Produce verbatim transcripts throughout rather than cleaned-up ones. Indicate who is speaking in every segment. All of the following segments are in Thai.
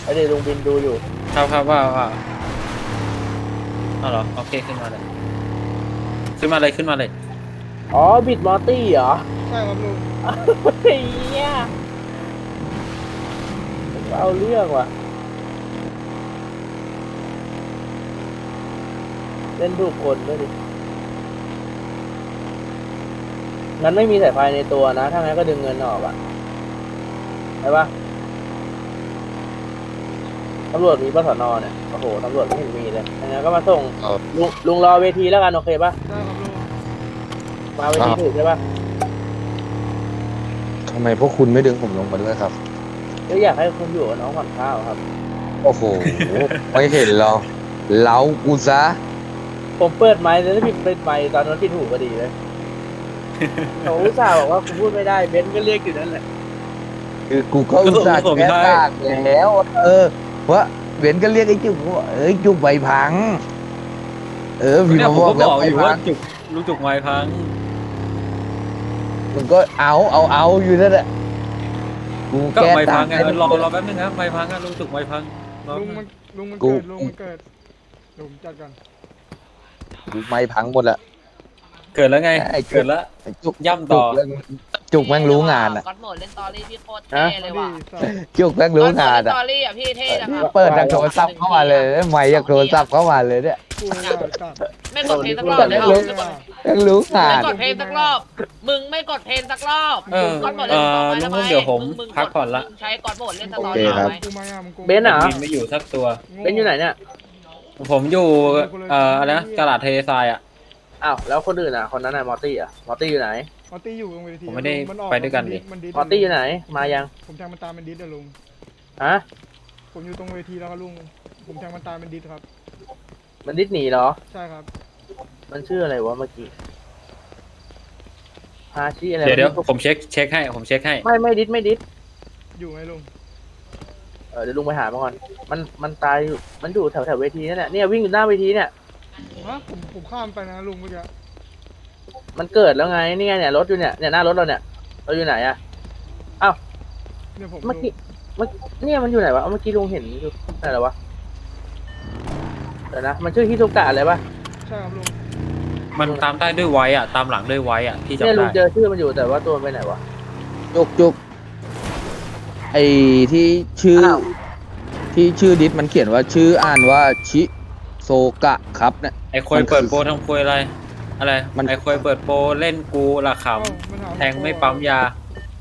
Speaker 1: เดี๋ยวลุงบินดูอยู่
Speaker 2: ครับครับว่าว่าเอาเหรอโอเคขึ้นมาเลยขึ้นมาเลยขึ้นมาเลย
Speaker 1: อ๋อบิดมอร์ตี้เหรอ
Speaker 3: ใช่ครับลุง
Speaker 1: เฮียเอาเรื่องว่ะเล่นถูกคนด้วยดิงั้นไม่มีสายไฟในตัวนะถ้างั้นก็ดึงเงินออกอ่ะใช่ปะตำรวจมีปสนเนี่ยโอ้โหตำรวจไม่เห็นมีเลยงั้นก็มาส่งลุงลุงรอเวทีแล้วกันโอเคปะ
Speaker 3: ได้ครับลุง
Speaker 1: มาเวทีถูกใช่ปะ
Speaker 4: ทำไมพวกคุณไม่ดึงผมลงมาด้วยครับ
Speaker 1: ก็อยากให้คุณอยู่กับน้องผ่อนข้าวครับ
Speaker 4: โอ้โห ไม่เห็นเราเล้ากูซะ
Speaker 1: ผมเปิดไมค์แล้วพี่เปิดไมค์ตอนนั้นที่ถูกก็ดีเลยเขาอุตส่าห์บอกว่าคุณพูดไม่ได้เบนซ์ก็เรียกอยู่นั่นแหละ
Speaker 4: คือกูก็อุตส่าห์แก้ต่างแล้วเออว่าเบนก็เรียกไอ้จุกว่าเอ้ยจุกใบพังเออพี่มาบอกแล้ว
Speaker 2: อยู่ว่าจุกลูกจุกไม้พัง
Speaker 4: มันก็เอาเอาเอาอยู่นั่นแหละ
Speaker 2: กูแก้ต่างไงรอรอแป๊บนึงครับไม้พังอ่ะลูกจุกไม้พัง
Speaker 3: ลุงมันลุงมันเกิดลุงมันเกิดลุงจัดกัน
Speaker 4: กูไม้พังหมดละ
Speaker 2: เกิดแล้วไงเกิดแล้ว
Speaker 4: จุก
Speaker 2: ย่ำต่อ
Speaker 4: จุกแม่งรู้งานอ่ะ
Speaker 5: ก๊อตโหมดเล่นตอรี่พี่โคตรเท่เลยว่ะ
Speaker 4: จุกแม่งรู้งานอ่ะ
Speaker 5: ตอรี่อ่ะพี่เท่นะครับ
Speaker 4: เปิดจากโทรศัพท์เข้ามาเลยไม่จากโทรศัพท์เข้ามาเลยเนี่ย
Speaker 5: ไม่กดเพลงสักรอบเลยครับ
Speaker 4: แม่งรู้งาน
Speaker 5: ไม่กดเพลงสักรอบมึงไม่กดเพลงสักรอบก๊อตโหมด
Speaker 2: เล่นตอรี่ทำไมเดี๋ยวผมพักก่อนละ
Speaker 5: ใช้ก๊อตโหมดเล่นตอรี่ไหม
Speaker 1: เบนซ์เหรอ
Speaker 2: ไม่อยู่สักตัว
Speaker 1: เบนซ์อยู่ไหนเนี่ย
Speaker 2: ผมอยู่เอ่ออะไรนะกระดาษเททรายอ่ะ
Speaker 1: อ้าวแล้วคนอื่นอ่ะคนนั้นไหนมอร์ตี้อ่ะมอร์ตี้อยู่ไหน
Speaker 3: มอร์ตี้อยู่ตรงเวที
Speaker 2: ผมไม่ได้ไปด้วยกันเลย
Speaker 1: มอร์ตี้อยู่ไหนมายัง
Speaker 3: ผมแทงมันตามเป็นดิสอะลุง
Speaker 1: ฮะ
Speaker 3: ผมอยู่ตรงเวทีแล้วครับลุงผมแทงมันตามเป็นดิสครับ
Speaker 1: มันดิสหนีเหรอ
Speaker 3: ใช่ครับ
Speaker 1: มันชื่ออะไรวะเมื่อกี้ฮาชิอะไร
Speaker 2: เดี๋ยวเดี๋ยวผมเช็คเช็คให้ผมเช็คให้
Speaker 1: ไม่ไม่ดิสไม่ดิส
Speaker 3: อยู่ไหมลุง
Speaker 1: เออเดี๋ยวลุงไปหามาก่อนมันมันตายอยู่มันอยู่แถวแถวเวทีนั่นแหละเนี่ยวิ่งอยู่หน้าเวทีเนี่ย
Speaker 3: ฮะผมผมข้ามไปนะลุงเมื่อกี้
Speaker 1: มันเกิดแล้วไงนี่ไงเนี่ยรถอยู่เนี่ยเนี่ยหน้ารถเราเนี่ยเราอยู่ไหนอะอ้าว
Speaker 3: เนี่ยผม
Speaker 1: เมื่อกี้เมื่อเนี่ยมันอยู่ไหนวะเมื่อกี้ลุงเห็นอยู่ไหนแล้ววะเดี๋ยวนะมันชื่อฮิโตกะอะไรปะ
Speaker 3: ใช่ครับลุง
Speaker 2: มันตามได้ด้วยไว้อะตามหลังด้วยไว้อะที่จำได้
Speaker 1: เนี่ยลุงเจอชื่อมันอยู่แต่ว่าตัวมันไปไหนวะ
Speaker 4: จุกจุกไอ้ที่ชื่อที่ชื่อดิสมันเขียนว่าชื่ออ่านว่าชิโซกะครับเนี่ย
Speaker 2: ไอ้ควยเปิดโปรทำควยอะไรอะไรไอ้ควยเปิดโปรเล่นกูละขำแทงไม่ปั๊มยา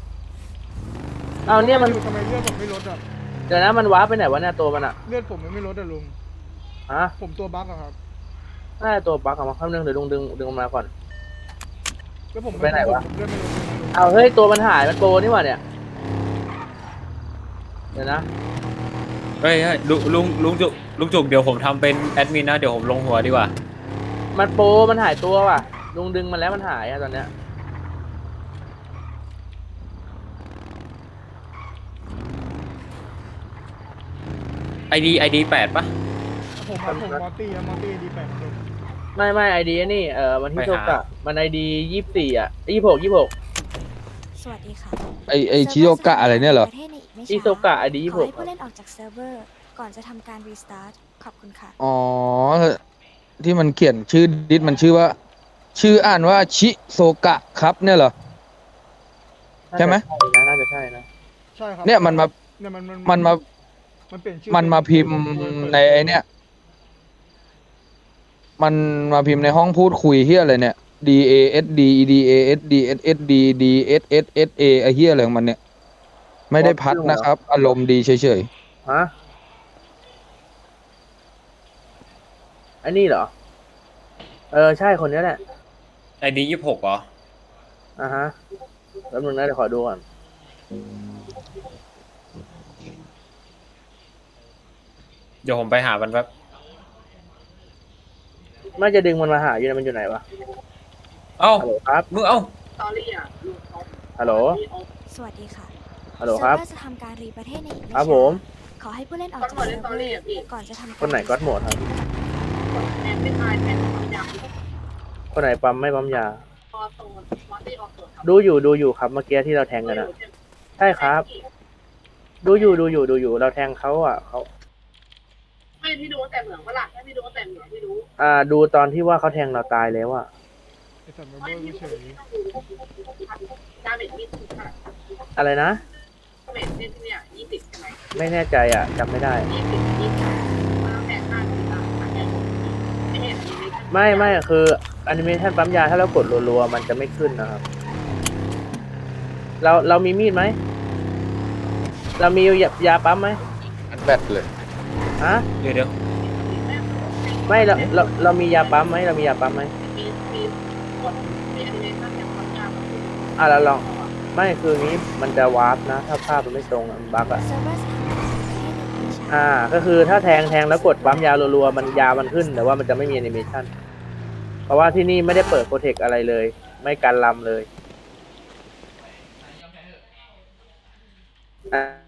Speaker 1: เอาเนี่ยมัน
Speaker 3: ทำไมเลือดผมไม่ลดอ่ะ
Speaker 1: เดี๋ยวนะมันว้าไปไหนวะเนี่ยตัวมันอะ
Speaker 3: เลือดผมไม่ลดอ่ะลุง
Speaker 1: ฮะ
Speaker 3: ผมตัวบั๊กอะครับ
Speaker 1: น่าจะตัวบั๊กออกมาคำนึงเดี๋ยวลุงดึงดึงมาก่อน
Speaker 3: แล้วผม
Speaker 1: ไปไหนวะ
Speaker 3: เลือดไม่ลด
Speaker 1: เอาเฮ้ยตัวมันหายมันโปรนี่หว่าเนี่ยเดี๋ยวนะ
Speaker 2: เฮ้ยลุงลุงลุงจุกลุงจุกเดี๋ยวผมทำเป็นแอดมินนะเดี๋ยวผมลงหัวดีกว่า
Speaker 1: มันโปรมันหายตัวว่ะลุงดึงมันแล้วมันหายอะตอนเนี้ย
Speaker 2: ไอดีไอดีแปดปะ
Speaker 3: ผมผมมอร์ตี้อะมอร์ตี้ดีแปดลุง
Speaker 1: ไม่ไม่ไอดีนี่เออมันที่โชกะมันไอดียี่สิบสี่อ่ะยี่สิบหกยี่สิบหก
Speaker 6: สวัสดีค่ะ
Speaker 4: ไอไอชิโยกะอะไรเนี่ยเหรอ
Speaker 1: ชิโซกะไอดียี่สิบหก
Speaker 6: ขอให้ผู้เล่นออกจากเซิร์ฟเวอร์ก่อนจะทำการรีสตาร์ทขอบคุณค่ะ
Speaker 4: อ๋อที่มันเขียนชื่อดิสมันชื่อว่าชื่ออ่านว่าชิโซกะครับเนี่ยเหรอใช่ไหม
Speaker 1: น่าจะใช่นะ
Speaker 3: ใช่ครับ
Speaker 4: เนี่ยมันมา
Speaker 3: เนี่ยมัน
Speaker 4: มันมา
Speaker 3: มันเปลี่ยนชื่อ
Speaker 4: มันมาพิมพ์ในไอเนี่ยมันมาพิมพ์ในห้องพูดคุยเฮียอะไรเนี่ย D A S D E D A S D S S D D S S S A ไอเฮียอะไรของมันเนี่ยไม่ได้พัดนะครับอารมณ์ดีเฉย
Speaker 1: ๆฮะอันนี้เหรอเออใช่คนนี้แหละ
Speaker 2: ไอดียี่สิบหกเหรอ
Speaker 1: อ่าฮะแล้วมึงนะเดี๋ยวขอดูก่อน
Speaker 2: เดี๋ยวผมไปหามันแป๊บ
Speaker 1: ไม่จะดึงมันมาหาอยู่นะมันอยู่ไหนวะ
Speaker 2: เอ้า
Speaker 1: ครับ
Speaker 2: มึงเอ้า
Speaker 1: ฮัลโหล
Speaker 6: สวัสดีค่ะ
Speaker 1: ฮัลโหลครับ
Speaker 6: จะทำการรีประเทศในอีกไม่
Speaker 1: ช้าครับผม
Speaker 6: ขอให้ผู้เล่นออกจากเซิร์ฟเวอร์ก่อนจะทำ
Speaker 1: คนไหนก๊อตโหมดครับคนไหนปั๊มไม่ปั๊มยาดูอยู่ดูอยู่ครับเมื่อกี้ที่เราแทงกันนะใช่ครับดูอยู่ดูอยู่ดูอยู่เราแทงเขาอ่ะเขา
Speaker 5: ไม่พี่ดูแต่เหมืองเวลาถ้าพี่ดูแต่เหมืองพี่ดู
Speaker 1: อ่าดูตอนที่ว่าเขาแทงเราตายแล้วอ่ะ
Speaker 3: ไอสัตว์มาเบิ้ลกูเฉย
Speaker 5: ดาเมจมีสิบค่ะ
Speaker 1: อะไรนะ
Speaker 5: ดาเมจเนี่ยเนี่ยยี่สิบใช่ไหม
Speaker 1: ไม่แน่ใจอ่ะจำไม่ได้
Speaker 5: ยี่สิบยี่สิบมาแปดห้าสิบาทไม่เห็นมี
Speaker 1: ไม่ไม่คือแอนิเมชันปั๊มยาถ้าเรากดรัวๆมันจะไม่ขึ้นนะครับ เราเรามีมีดไหมเรามียายาปั๊มไหม
Speaker 4: อันแบตเลย
Speaker 1: ฮะ
Speaker 2: เดี๋ยวเดี๋ยว
Speaker 1: ไม่เราเราเรามียาปั๊มไหมเรามียาปั๊มไหม
Speaker 5: มีมีกดมีแอนิเมชันอย่างความยาว
Speaker 1: อ่ะเราลองไม่คืองี้มันจะวาร์ปนะ ถ้าภาพมันไม่ตรงอะมันบั๊กอ่ะ
Speaker 6: เซิร์ฟเวอร์สถานะให้หนึ่งวิชา
Speaker 1: อ่า ก็คือถ้าแทงแทงแล้วกดปั๊มยารัวๆมันยามันขึ้นแต่ว่ามันจะไม่มีแอนิเมชันเพราะว่าที่นี่ไม่ได้เปิดโปรเทคอะไรเลย ไม่กันลำเลยอ่า